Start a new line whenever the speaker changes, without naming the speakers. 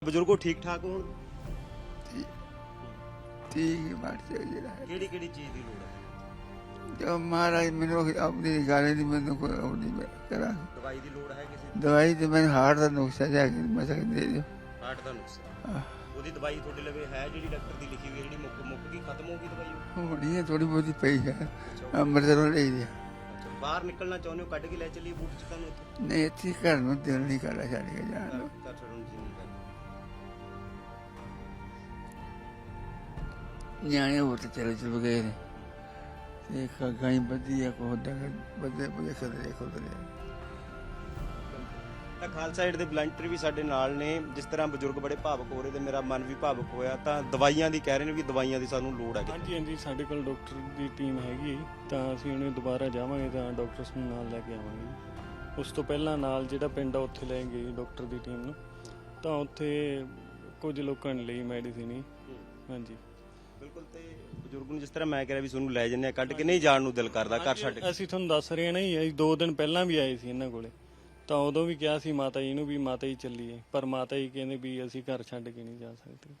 ਬਜ਼ੁਰਗੋ ਠੀਕ ਠਾਕ ਹੋਣ
ਠੀਕ ਮਾਰਦੇ ਜਿਹੜਾ
ਕਿਹੜੀ ਕਿਹੜੀ ਚੀਜ਼ ਦੀ ਲੋੜ ਹੈ?
ਜੋ ਮਹਾਰਾਜ ਮੈਨੂੰ ਆਪਣੀ ਗਾਲੇ ਦੀ ਮੈਨੂੰ ਕੋਈ ਉਹ ਨਹੀਂ ਕਰਾਂ
ਦਵਾਈ ਦੀ ਲੋੜ ਹੈ ਕਿਸੇ
ਦਵਾਈ ਤੇ ਮੈਨੂੰ ਹਾਰਟ ਦਾ ਨੁਕਸਾ ਜਾ ਕੇ ਮੈਂ ਸਕਦੇ ਜੋ
ਹਾਰਟ ਦਾ ਨੁਕਸਾ ਉਹਦੀ ਦਵਾਈ ਤੁਹਾਡੇ ਲਵੇ ਹੈ ਜਿਹੜੀ ਡਾਕਟਰ ਦੀ ਲਿਖੀ ਹੋਈ ਜਿਹੜੀ ਮੁੱਕ ਗਈ ਖਤਮ ਹੋ ਗਈ ਦਵਾਈ
ਹੋਣੀ ਹੈ ਥੋੜੀ ਬਹੁਤੀ ਪਈ ਹੈ ਅੰਮ੍ਰਿਤਸਰੋਂ ਲਈ ਦੀ
ਅੱਛਾ ਬਾਹਰ ਨਿਕਲਣਾ ਚਾਹੁੰਦੇ ਹੋ ਕੱਢ ਕੇ ਲੈ ਚੱਲੀਏ ਬੂਟ ਚ ਤੁਹਾਨੂੰ ਇੱਥੇ
ਨਹੀਂ ਇੱਥੇ ਘਰ ਨੂੰ ਦਿਲ ਨਹੀਂ ਕਰਦਾ ਛੱਡ ਕੇ ਜਾਣ ਨੂੰ
ਘਰ ਛੱਡਣ ਜੀ ਨਹੀਂ ਕਰਦਾ
ਨਿਆਣੇ ਹੋਰ ਤੇ ਚਲੇ ਚੁਲ ਗਏ ਨੇ ਤੇ ਗਾਈ ਵਧੀਆ ਕੋ ਬੰਦੇ ਬੁਝੇ ਖਦਰੇ
ਤਾਂ ਖਾਲਸਾ ਏਡ ਦੇ ਵਲੰਟੀਅਰ ਵੀ ਸਾਡੇ ਨਾਲ ਨੇ। ਜਿਸ ਤਰ੍ਹਾਂ ਬਜ਼ੁਰਗ ਬੜੇ ਭਾਵੁਕ ਹੋ ਰਹੇ ਤੇ ਮੇਰਾ ਮਨ ਵੀ ਭਾਵੁਕ ਹੋਇਆ। ਤਾਂ ਦਵਾਈਆਂ ਦੀ ਕਹਿ ਰਹੇ ਨੇ ਵੀ ਦਵਾਈਆਂ ਦੀ ਸਾਨੂੰ ਲੋੜ ਹੈ।
ਹਾਂਜੀ ਹਾਂਜੀ ਸਾਡੇ ਕੋਲ ਡਾਕਟਰ ਦੀ ਟੀਮ ਹੈਗੀ ਤਾਂ ਅਸੀਂ ਉਹਨੇ ਦੁਬਾਰਾ ਜਾਵਾਂਗੇ ਤਾਂ ਡਾਕਟਰਸ ਨੂੰ ਨਾਲ ਲੈ ਕੇ ਆਵਾਂਗੇ। ਉਸ ਤੋਂ ਪਹਿਲਾਂ ਨਾਲ ਜਿਹੜਾ ਪਿੰਡ ਆ ਉੱਥੇ ਲੈ ਗਏ ਡਾਕਟਰ ਦੀ ਟੀਮ ਨੂੰ ਤਾਂ ਉੱਥੇ ਕੁਝ ਲੋਕਾਂ ਨੇ ਲਈ ਮੈਡੀਸਿਨ ਹੀ। ਹਾਂਜੀ
ਬਿਲਕੁਲ। ਤੇ ਬਜ਼ੁਰਗ ਨੂੰ ਜਿਸ ਤਰ੍ਹਾਂ ਮੈਂ ਕਹਿ ਰਿਹਾ ਵੀ ਤੁਹਾਨੂੰ ਲੈ ਜੰਨੇ ਕੱਢ ਕੇ ਨਹੀਂ ਜਾਣ ਨੂੰ ਦਿਲ ਕਰਦਾ ਘਰ ਛੱਡ ਕੇ।
ਅਸੀਂ ਤੁਹਾਨੂੰ ਦੱਸ ਰਹੇ ਹਾਂ ਨਾ ਜੀ, ਅਸੀਂ 2 ਦਿਨ ਪਹਿਲਾਂ ਵੀ ਆਏ ਸੀ ਇਹਨਾਂ ਕੋਲੇ ਤਾਂ ਉਦੋਂ ਵੀ ਕਿਹਾ ਸੀ ਮਾਤਾ ਜੀ ਨੂੰ ਵੀ ਮਾਤਾ ਜੀ ਚੱਲੀਏ, ਪਰ ਮਾਤਾ ਜੀ ਕਹਿੰਦੇ ਵੀ ਅਸੀਂ ਘਰ ਛੱਡ ਕੇ ਨਹੀਂ ਜਾ ਸਕਦੇ।